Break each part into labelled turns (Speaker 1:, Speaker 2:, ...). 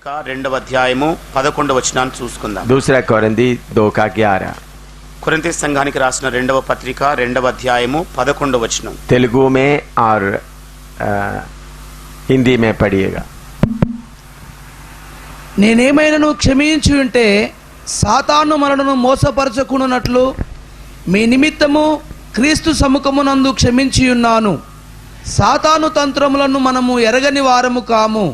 Speaker 1: పత్రిక 2వ అధ్యాయము 11వ వచనాన్ని చూసుకుందాం.
Speaker 2: दूसरा कोरिन्थी 2:11
Speaker 1: కొరింథీ సంఘానికి రాసిన 2వ పత్రిక 2వ అధ్యాయము 11వ వచనం.
Speaker 2: तेलुगु में और हिंदी में पढ़िएगा.
Speaker 3: నేనేమైనను క్షమించి ఉంటే సాతాను మనలను మోసపరచకున్నట్లు మీ నిమిత్తము క్రీస్తు సముఖమునందు క్షమించి ఉన్నాను. సాతాను తంత్రములను మనము ఎరగని వారము కాము.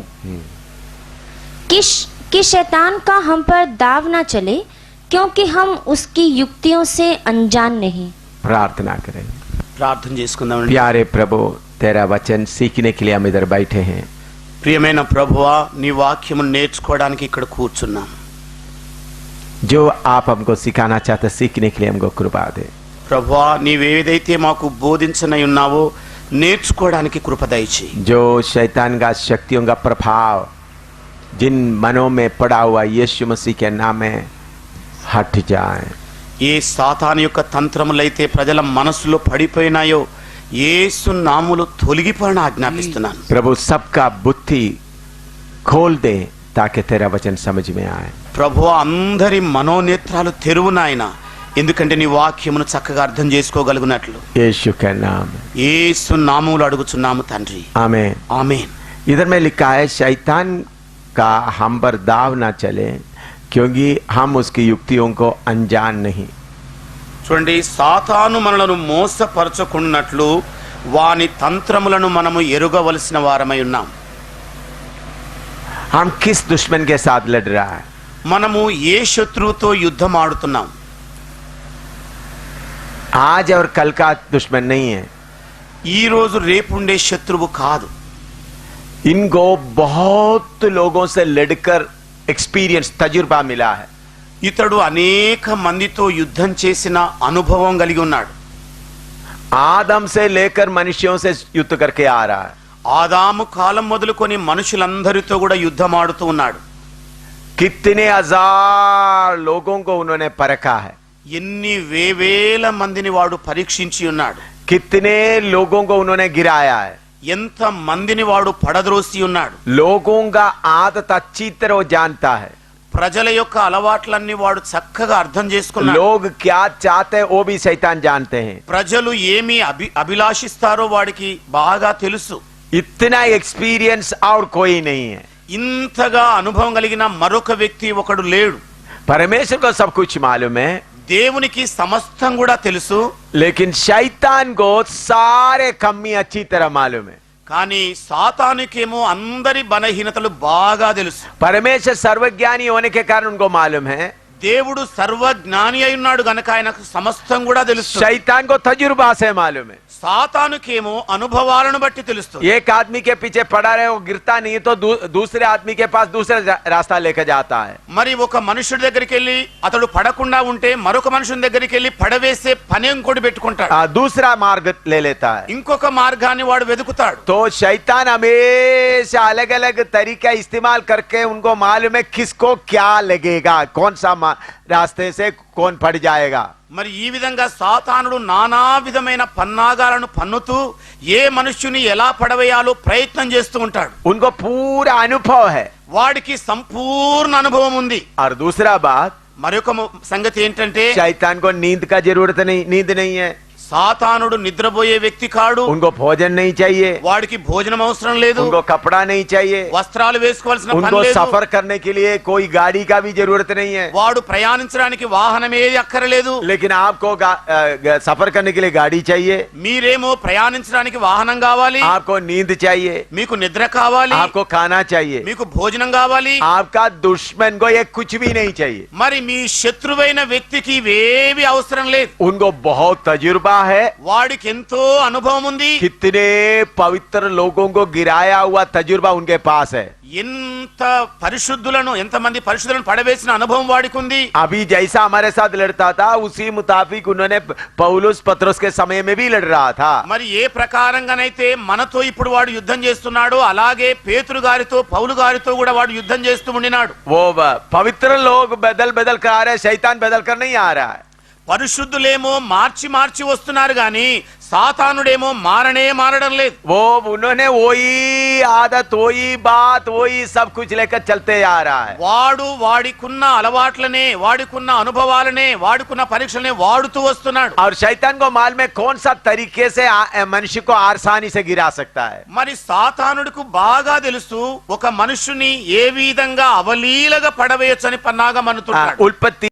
Speaker 4: कि शैतान का हम पर दाव न चले, क्योंकि हम उसकी युक्तियों से अनजान नहीं.
Speaker 2: प्रार्थना करें.
Speaker 1: ప్రార్థన చేసుకుందాం.
Speaker 2: प्यारे प्रभु, तेरा वचन सीखने के लिए हम इधर बैठे हैं.
Speaker 1: ప్రియమైన ప్రభువా, నీ వాక్యమును నేర్చుకోవడానికి ఇక్కడ కూర్చున్నాం.
Speaker 2: जो आप हमको सिखाना चाहते सीखने के लिए हमको कृपा दे.
Speaker 1: ప్రభువా, నీవేదైతే మాకు బోధించనై ఉన్నావో నేర్చుకోవడానికి కృప దయచేయి.
Speaker 2: जो शैतान का शक्तियों का प्रभाव जिन मनों में पड़ा हुआ यीशु मसीह के नाम में हट जाए.
Speaker 1: ఏ సాతాను యొక్క తంత్రములైతే ప్రజల మనసులో పడిపోయినాయో యేసు నామములో తొలగిపోయిన ఆజ్ఞాపిస్తున్నాను.
Speaker 2: प्रभु सबका बुद्धि खोल दे ताकि तेरा वचन समझ में आए.
Speaker 1: ప్రభువా, అందరి మనోనేత్రాలు తెరువు నాయన, ఎందుకంటే నీ వాక్యమును చక్కగా అర్థం చేసుకోగలుగునట్లు
Speaker 2: यीशु के नाम.
Speaker 1: యేసు నామములో అడుగుచున్నాము తండ్రి.
Speaker 2: आमीन.
Speaker 1: ఆమేన్.
Speaker 2: इधर में लिखा है शैतान का हम पर दाव ना चले, क्योंकि हम उसकी युक्तियों को अनजान नहीं.
Speaker 1: చూడండి, సాతాను మనలను మోసపరచుకున్నట్లు వాని తంత్రములను మనము ఎరుగవలసిన వారమై ఉన్నాం.
Speaker 2: हम किस दुश्मन के साथ लड़ रहा है?
Speaker 1: మనము ఏ శత్రువుతో యుద్ధం ఆడుతున్నాం?
Speaker 2: आज और कल का दुश्मन नहीं है.
Speaker 1: ఈ రోజు రేపు ఉండే శత్రువు కాదు.
Speaker 2: इनको बहुत लोगों से लड़कर एक्सपीरियंस तजुर्बा मिला है.
Speaker 1: ఇతడు అనేక మందితో యుద్ధం చేసిన అనుభవం కలిగి ఉన్నాడు.
Speaker 2: आदम से लेकर मनुष्यों से युद्ध करके आ रहा है.
Speaker 1: ఆదాము కాలం మొదలుకొని మనుషులందరితో కూడా యుద్ధం ఆడుతూ ఉన్నాడు.
Speaker 2: कितने हजार लोगों को उन्होंने परखा है.
Speaker 1: ఎన్ని వేవేల మందిని వాడు పరీక్షించి ఉన్నాడు.
Speaker 2: कितने लोगों को उन्होंने गिराया है.
Speaker 1: ఎంత మందిని వాడు పడద్రోసి ఉన్నాడు.
Speaker 2: लोगों का आदत अच्छी तरह वो जानता है.
Speaker 1: ప్రజల యొక్క అలవాట్లన్నీ వాడు చక్కగా అర్థం చేసుకున్నాడు.
Speaker 2: लोग क्या चाहते हैं वो भी शैतान जानते हैं.
Speaker 1: ప్రజలు ఏమి అభిలాషిస్తారో వాడికి బాగా తెలుసు.
Speaker 2: इतना एक्सपीरियंस और कोई नहीं है.
Speaker 1: ఇంతగా అనుభవం కలిగిన మరొక వ్యక్తి ఒకడు లేడు.
Speaker 2: परमेश्वर को सब कुछ मालूम है,
Speaker 1: దేవునికి సమస్తం కూడా తెలుసు.
Speaker 2: लेकिन शैतान को सारे कमी अच्छी तरह मालूम है.
Speaker 1: కానీ సాతానుకేమో అందరి బలహీనతలు బాగా తెలుసు.
Speaker 2: परमेश्वर सर्वज्ञानी होने के कारण उनको मालूम है.
Speaker 1: దేవుడు సర్వజ్ఞాని అయి ఉన్నాడు గనక ఆయనకు సమస్తం కూడా తెలుసు.
Speaker 2: शैतान को तजुर्बा से मालूम है.
Speaker 1: సాతానుకేమో అనుభవాలను బట్టి తెలుస్తుంది.
Speaker 2: एक आदमी के पीछे पड़ा रहे वो गिरता नहीं तो दूसरे आदमी के पास दूसरा रास्ता लेकर जाता है.
Speaker 1: మరి ఒక మనుషుడి దగ్గరికి వెళ్ళి అతడు పడకుండా ఉంటే మరొక మనుషుని దగ్గరికి వెళ్ళి పడవేసే పని ఇంకోటి పెట్టుకుంటాడు.
Speaker 2: दूसरा मार्ग ले लेता है.
Speaker 1: ఇంకొక మార్గాన్ని వాడు వెతుకుతాడు.
Speaker 2: तो शैतान हमेशा अलग अलग तरीका इस्तेमाल करके उनको मालूम है किसको क्या लगेगा, कौन सा रास्ते से कौन पड़ जाएगा.
Speaker 1: మరి ఈ విధంగా సాతానుడు నానా విధమైన పన్నాగాలను పన్నుతూ ఏ మనుష్యుని ఎలా పడవేయాలో ప్రయత్నం చేస్తూ ఉంటాడు.
Speaker 2: उनको पूरा अनुभव है.
Speaker 1: వాడికి సంపూర్ణ అనుభవం ఉంది.
Speaker 2: और दूसरा बात,
Speaker 1: మరొక సంగతి ఏంటంటే
Speaker 2: शैतान को नींद का जरूरत नहीं, नींद नहीं है.
Speaker 1: సాతానుడు నిద్రపోయే వ్యక్తి కాడు.
Speaker 2: उनको भोजन नहीं चाहिए.
Speaker 1: వాడికి భోజనం అవసరం లేదు.
Speaker 2: उनको कपड़ा नहीं चाहिए.
Speaker 1: వస్త్రాలు వేసుకోవాల్సిన పని
Speaker 2: उनको
Speaker 1: లేదు.
Speaker 2: सफर करने के लिए कोई गाड़ी का भी जरूरत नहीं है.
Speaker 1: వాడు ప్రయాణించడానికి వాహనం ఏది అక్కర్లేదు.
Speaker 2: लेकिन आपको सफर करने के लिए गाड़ी चाहिए.
Speaker 1: మీరేమో ప్రయాణించడానికి వాహనం కావాలి.
Speaker 2: आपको नींद चाहिए.
Speaker 1: మీకు నిద్ర కావాలి.
Speaker 2: आपको खाना चाहिए.
Speaker 1: మీకు భోజనం కావాలి.
Speaker 2: आपका दुश्मन को ये कुछ भी नहीं चाहिए.
Speaker 1: మరి మీ శత్రువైన వ్యక్తికి ఇవేవి అవసరం లేదు.
Speaker 2: उनको बहुत तजुर्बा है.
Speaker 1: వాడికి ఎంతో అనుభవం ఉంది.
Speaker 2: कितने पवित्र लोगों को गिराया हुआ तजुर्बा उनके पास है.
Speaker 1: ఎంత పరిశుద్ధులను ఎంతమంది పరిశుద్ధులను పడవేసిన అనుభవం వాడికి ఉంది.
Speaker 2: अभी जैसा हमारे साथ लड़ता था उसी मुताबिक उन्होंने पौलुस पत्रोस के समय में भी लड़ रहा था.
Speaker 1: మరి ఏ ప్రకారంగానైతే మనతో ఇప్పుడు వాడు యుద్ధం చేస్తున్నాడో అలాగే పేతురు గారితో పౌలు గారితో కూడా వాడు యుద్ధం చేస్తూ ఉండినాడు.
Speaker 2: वो पवित्र लोग बदल बदल कर आ रहे, शैतान बदल कर नहीं आ रहा है.
Speaker 1: పరిశుద్ధులేమో మార్చి మార్చి వస్తున్నారు గాని సాతానుడేమో మారడం లేదు.
Speaker 2: वो उन्होंने वही आदत, वही बात, वही सब कुछ लेकर चलते आ रहा है.
Speaker 1: వాడు వాడికున్న అలవాట్లనే, వాడికున్న అనుభవాలనే, వాడికున్న పరీక్షలనే వాడుతూ వస్తున్నాడు.
Speaker 2: और शैतान को मालूम है कौन सा तरीके से मनुष्य को आसानी से गिरा सकता है.
Speaker 1: మరి సాతానుడికి బాగా తెలుసు ఒక మనుషుని ఏ విధంగా అవలీలగా పడవేయొచ్చని పన్నాగం అనుకుంటాడు.
Speaker 2: उल्पत्ति